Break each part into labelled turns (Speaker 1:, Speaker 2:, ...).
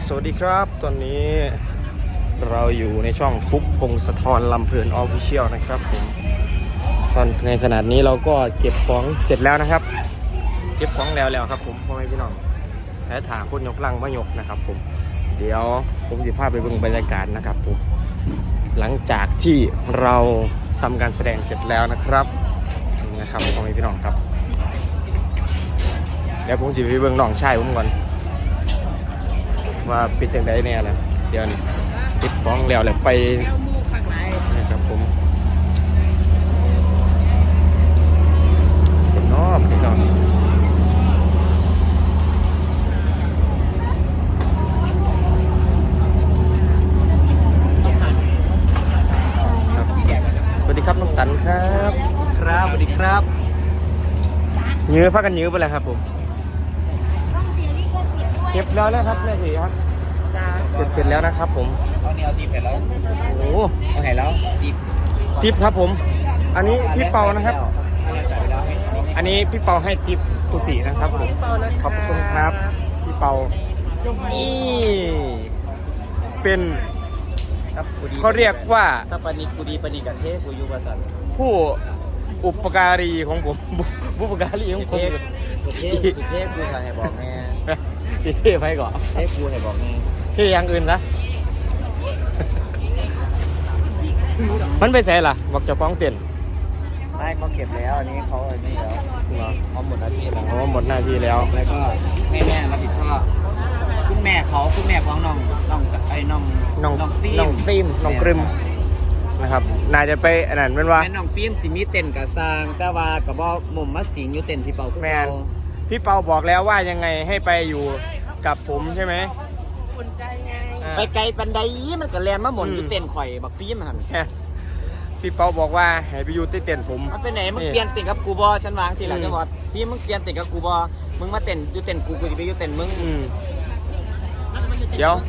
Speaker 1: สวัสดีครับตอนนี้เราอยู่ในช่องฟุกพงศธรลำเพลินออฟฟิเชียลนะครับผมตอนในขนาดนี้เราก็เก็บของเสร็จแล้วนะครับเก็บของแล้วครับผมพ่อแม่พี่น้องและถาคนยกลังมายกนะครับผมเดี๋ยวผมจะพาไปเบิ่งบรรยากาศนะครับผมหลังจากที่เราทำการแสดงเสร็จแล้วนะครับนี่นะครับพ่อแม่พี่น้องครับเดี๋ยวผมจะไปเบิ่งน้องชายผมก่อนว่าปิดจังไดเนี่ยแหละเดี๋ยวปิดฟ้องแล้วไปนะครับผมเสียงนอกพี่น้องครับสวัสดีครับน้องตันครับ
Speaker 2: ครับสวัสดีครับ
Speaker 1: ยื้อพักกันยื้อไปเลยครับผมเก็บแล้วนะครับแม่สีครับเสร็จแล้วนะครับผม
Speaker 2: เอาเนี่ยเอาตีบเสร็จแล้ว
Speaker 1: โอ้
Speaker 2: เอาไหนแล้ว
Speaker 1: ทิปครับผมอันนี้พี่เปานะครับอันนี้พี่เปาให้ทิปครูสีนะครับผมขอบคุณครับพี่เปานี่เป็นเขาเรียกว่า
Speaker 2: ถ้าปนิกูดีปนิกะเทกูยูบาสัน
Speaker 1: ผู้อุปการีของผมผู้อุปการีของผม
Speaker 2: สุเทพกูให้บอกแม่
Speaker 1: เท่ไปก่อน
Speaker 2: เทพกูให้บอกแม่
Speaker 1: เท่อย่างอื่นนะมันไปใส่ล่ะบอกจะฟ้องเต้น
Speaker 2: ไม่เขาเก็บแล้วอันนี้เขาอันนี้แล้วเขาหมดหน้าที่แล้ว
Speaker 1: หมดหน้าที่แล้ว
Speaker 2: แล้วก็แม่รับผิดชอบคุณแม่ของน้องฟิล์ม
Speaker 1: น้องกรึมนะครับน่าจะไปอันนั้นเป็นว่า
Speaker 2: แม่น้องฟิล์มสิมีเต้นกับซางแต่ว่ากับบ่หม่มมัดสิงอยู่เต้นพี่เปา
Speaker 1: แมนพี่เปาบอกแล้วว่ายังไงให้ไปอยู่กับผมใช่ไหม
Speaker 2: ไปไกลปันไดมันก็แลนมาหมุนอยู่เต้นข่อยบักฟิล์มหัน
Speaker 1: พี่เปาบอกว่าให้ไปอยู่ที่เต้นผม
Speaker 2: มันไปไหนมึงเปลี่ยนเต้นกับกูบอฉันวางสิหล่ะจะบอกที่มึงเปลี่ยนเต้นกับกูบอมึงมาเต้นอยู่เต้นกูจะไปอยู่เต้นมึง
Speaker 1: เดี๋ยว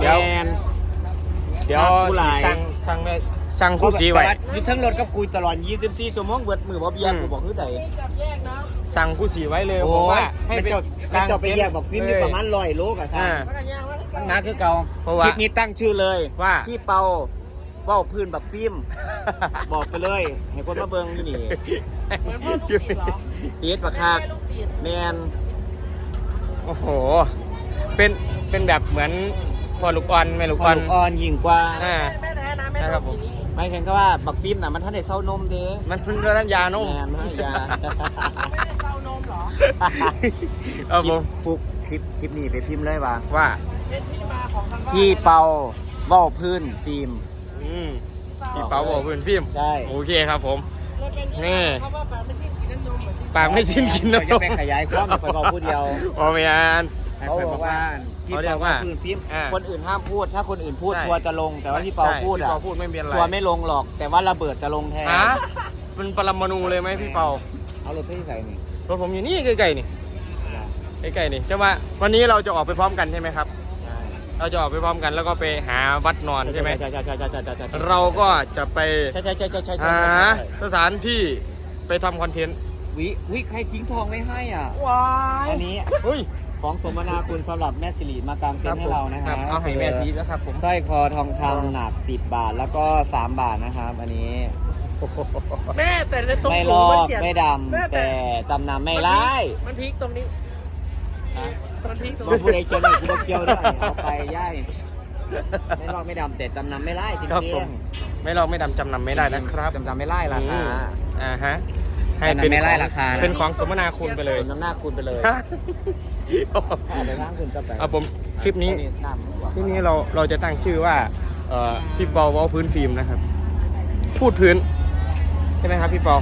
Speaker 1: สั่งคู่สีไว้
Speaker 2: อยู่ทั้งรถกับกูตลอด24 ชั่วโมงเบิดมือบ่เบียกูบอกคือได
Speaker 1: สั่งคู่สีไว้เลยผมว่า
Speaker 2: ให้ไปจอดไปแยกบอกฟิล์มมีประมาณ100 โลกับซ่านะคือเก่าคลิปนี้ตั้งชื่อเลย
Speaker 1: ว่า
Speaker 2: พี่เปาเว้าพื้นบักฟิล์มบอกไปเลยให้คนมาเบิ่งอยู่นี่เหมือนพ่อลูกติดเหรอติดบักคักแมน
Speaker 1: โอ้โหเป็นแบบเหมือนพอลูกอ่อนแม่ลูกอ่
Speaker 2: อนยิ่งกว่า
Speaker 1: แม่แท้นะแม่ครับผม
Speaker 2: ไม่ถึงก็ว่าบักฟิล์มน่ะมันท่านได้เศร้านมเด้
Speaker 1: มันเพิ่งเรื่องยานม
Speaker 2: แม่มันยาเศร้านมเหรอ
Speaker 1: เอาผม
Speaker 2: ฟุกคลิปนี้ไปพิมพ์เลยว่า
Speaker 1: เป็นที่มาของคำว่า
Speaker 2: พี่เปาเว้าพื้นฟิล์ม
Speaker 1: พี่เปาเว้าพื้นฟิล์ม
Speaker 2: ใช่
Speaker 1: โอเคครับผม
Speaker 2: นี่
Speaker 1: คำว่าปากไม่สิ้นกินน้ำนม
Speaker 2: จะไปขยายความไปบอกพูดเดียว
Speaker 1: พอไม่อ่าน
Speaker 2: เขาบอกว่าพี่เปาว่าพื้นฟิล์มคนอื่นห้ามพูดถ้าคนอื่นพูดทัวจะลงแต่ว่าพี่เปาพูดอ่ะทัวไม่ลงหรอกแต่ว่าระเบิดจะลงแทน
Speaker 1: เป็นปรมาณูเลยไหมพี่เปา
Speaker 2: เอารถที่ใส่นี่
Speaker 1: รถผมอยู่นี่ใกล้ๆนี่ใกล้ๆนี่จะว่าวันนี้เราจะออกไปพร้อมกันใช่ไหมครับเราจะออกไปพร้อมกันแล้วก็ไปหาวัดนอนใช่ไหม
Speaker 2: ใช่
Speaker 1: เราก็จะไป
Speaker 2: หา
Speaker 1: สถานที่ไปทำคอนเทนต์
Speaker 2: วิใครทิ้งทองไม่ให้อ่ะ
Speaker 1: ว้า
Speaker 2: อันนี้ของสมนาคุณสำหรับแม่สิริมากางเต็นท์ให้เรานะครับ
Speaker 1: เอาให้แม่ซีแล้วครับผม
Speaker 2: สร้อยคอทองคำหนัก10 บาทแล้วก็3 บาทนะครับอันนี้
Speaker 1: แม่แต่ในตรง
Speaker 2: ไม่ลอกไม่ดำแต่จำนำไม่ไล่
Speaker 1: มันพีคตรงนี้
Speaker 2: มันพีคตรงนี้ผู้ใดเคียวหน่อยกูเคียวด้วยเอาไปย่ายไม่ลอกไม่ดำแต่จำนำไม่ไล่จริง
Speaker 1: ๆไม่ลอกไม่ดำจำนำไม่ได้นะครับ
Speaker 2: จำไม่ไล่ราคา
Speaker 1: ฮะให้เป็น
Speaker 2: ไม่ไล่ราคา
Speaker 1: เป็นของสมนาคุณไปเลย
Speaker 2: น้ำหน้าคุณไปเลยไปทางคุณจะไป
Speaker 1: ผมคลิปนี้เราจะตั้งชื่อว่าพี่เปาเว้าพื้นฟิล์มนะครับพูดพื้นใช่ไหมครับพี่เปา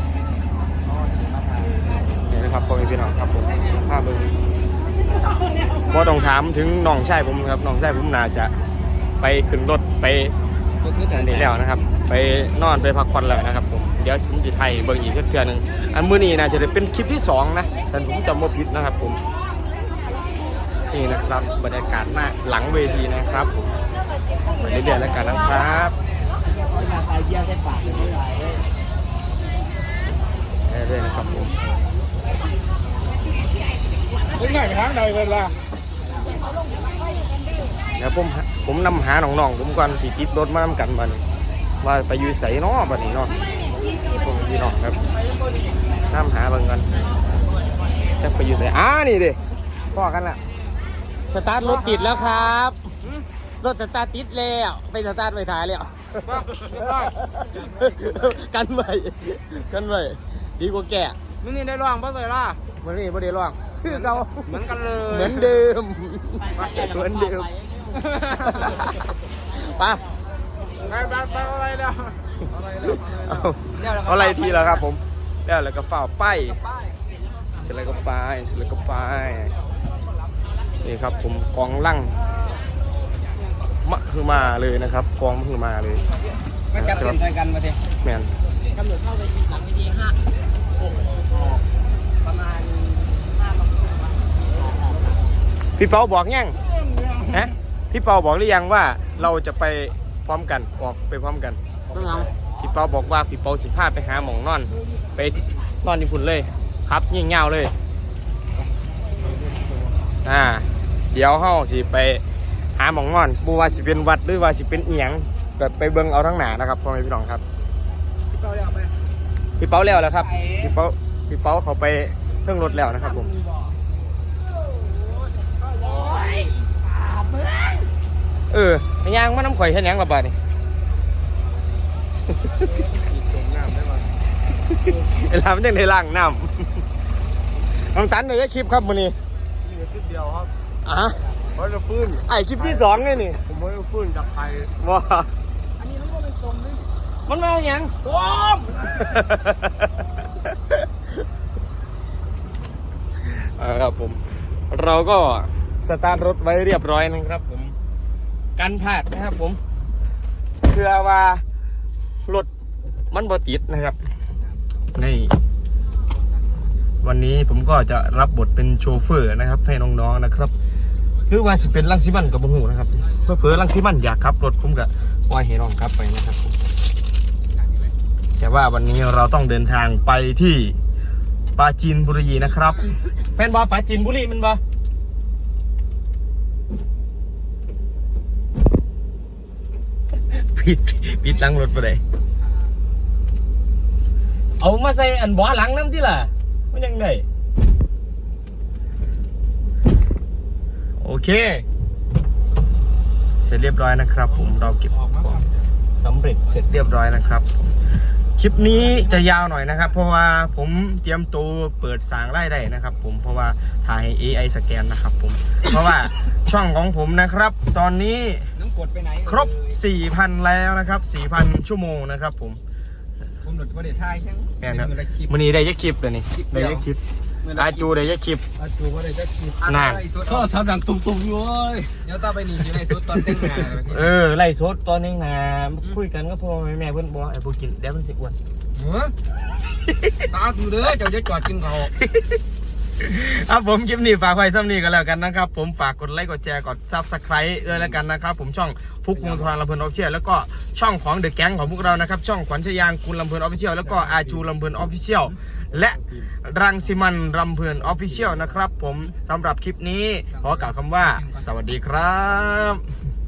Speaker 1: เนี่ยนะครับพ่อแม่พี่น้องครับผมภาพเบอร์พอต้องถามถึงน้องชายผมครับน้องชายผมน่าจะไปขึ้นรถไปนี่แล้วนะครับไปนอนไปพักผ่อนแล้วนะครับผมเดี๋ยวผมจะไทยเบิ่งอีกเทื่อนึงอันมื้อนี้น่าจะเป็นคลิปที่2นะแต่ผมจำไม่ผิดนะครับผมนี่นะครับบรรยากาศหน้าหลังเวทีนะครับไปเรื่อยๆแล้วกันนะครับเรื่อยๆนะครับผมไม่ใช่ทางใดเลยล่ะเดี๋ยวผมนำหาน้องๆผมก่อนที่ติดรถมานำกันบัดนี้ว่าไปอยู่ไสเนาะบัดนี้เนาะผมพี่น้องครับนำหาเบิ่งกันจะไปอยู่ไสนี่ดิพ่อกันละสตาร์ทรถติดแล้วครับรถสตาร์ทติดแล้วไปสตาร์ทไปถ่ายแล้วกันไว้ดีกว่าแก่
Speaker 2: มึงนี่ได้ร้องป่ะเลยล่ะ
Speaker 1: มันนี่ไม่ได้ร้องคือเรา
Speaker 2: เหมือนกันเลย
Speaker 1: เหมือนเดิมไป
Speaker 2: อะไรแล้ว
Speaker 1: เอาอะไรทีแล้วครับผมแล้วก็ฝ่าป้ายเสร็จแล้วก็ป้ายนี่ครับผมกองลั่งมะคือมาเลยนะครับกองมะคือมาเลย
Speaker 2: มันจับเส้นกันมาที
Speaker 1: แมน
Speaker 2: กำหนดเข้าไปหลังวิธี5ประมาณ5
Speaker 1: พี่เปาบอกยังฮะพี่เปาบอกหรือยังว่าเราจะไปพร้อมกันออกไปพร้อมกัน
Speaker 2: ต้องเอา
Speaker 1: พี่เปาบอกว่าพี่เปาสิพาไปหาหมองนอนไปนอนที่พุ่นเลยครับยิ่งเงาเลยเดี๋ยวเฮาสิไปหาหมองนอนบ่ว่าสิเป็นวัดหรือว่าสิเป็นเอียงแบบไปเบิ่งเอาทั้งหนานะครับพ่อแม่พี่น้องครับพี่เปาแล้วครับพี่เปาเขาไปเครื่องรถแล้วนะครับผมพยางมาน้ำข่อยเห็นยังระบาดนี่เวลามันยังในล่างน้ำน้องตันเลยได้คลิปครับมื้อนี้
Speaker 2: คลิปเดียวครับ
Speaker 1: เขาจะฟื้นคลิปที่2เลยนี่
Speaker 2: ผมไม่ได้ฟื้นจากใคร
Speaker 1: ว่าอันนี้มันก็เป็นตรงนี่มันมาอย่างตรงครับผมเราก็สตาร์ทรถไว้เรียบร้อยนะครับผมกันพลาดนะครับผมเพื่อว่ารถมันบ่ติดนะครับนี่วันนี้ผมก็จะรับบทเป็นโชเฟอร์นะครับให้น้องๆนะครับหรือว่าสิเป็นลังสิมันกับบุหูนะครับเพื่อเผื่อลังสิมันอยากขับรถผมก็ปล่อยให้น้องขับไปนะครับผมแต่ว่าวันนี้เราต้องเดินทางไปที่ปราจีนบุรีนะครับเป็นบ่ปราจีนบุรีมันบ่ปิดหลังรถไปเลยเอามาใส่อันบ่อหลังน้ำที่ล่ะมันยังไงโอเคเสร็จเรียบร้อยนะครับผมเราเก็บของสำเร็จเสร็จเรียบร้อยนะครับคลิปนี้จะยาวหน่อยนะครับ เพราะว่าผมเตรียมตัวเปิดสางไล่ได้นะครับผมเพราะว่าถ่ายให้ AI สแกนนะครับผมเพราะว่าช่องของผมนะครับตอนนี้ครบ 4,000 แล้วนะครับ 4,000 ชั่วโมงนะครับผม
Speaker 2: หลุดประเดี๋ยวท้ายใช่ไหมแม่
Speaker 1: ครับวันนี้ได้ยักคลิปเลยนี่ได้ยักคลิปอาจูได้ยักคลิป
Speaker 2: ว่าได้จะคลิป
Speaker 1: นาน
Speaker 2: ก็สามดังตุ่มๆอยู่เลยเดี๋ยวต่อไปนี่อยู่ในสุดตอนเต้นงาน
Speaker 1: ไล่สดตอนนี้นะคุยกันก็พอแม่เพื่อนบอกไอ้พวกกินเดี๋ยวมันสิอ้วน
Speaker 2: ตาดูเด้อเจ้าจะจอดกินเขา
Speaker 1: ผมคลิปนี้ฝากไว้ซ้ำนี้กันแล้วกันนะครับผมฝากกดไลค์กดแชร์กด Subscribe ด้วยแล้วกันนะครับผมช่องฟุกวงทองลำเพลินออฟฟิเชียลแล้วก็ช่องของเดอะแก๊งของพวกเรานะครับช่องขวัญชยางคุณลำเพลินออฟฟิเชียลแล้วก็อาจูลำเพลินออฟฟิเชียลและรังสิมันลำเพลินออฟฟิเชียลนะครับผมสำหรับคลิปนี้ขอกล่าวคำว่าสวัสดีครับ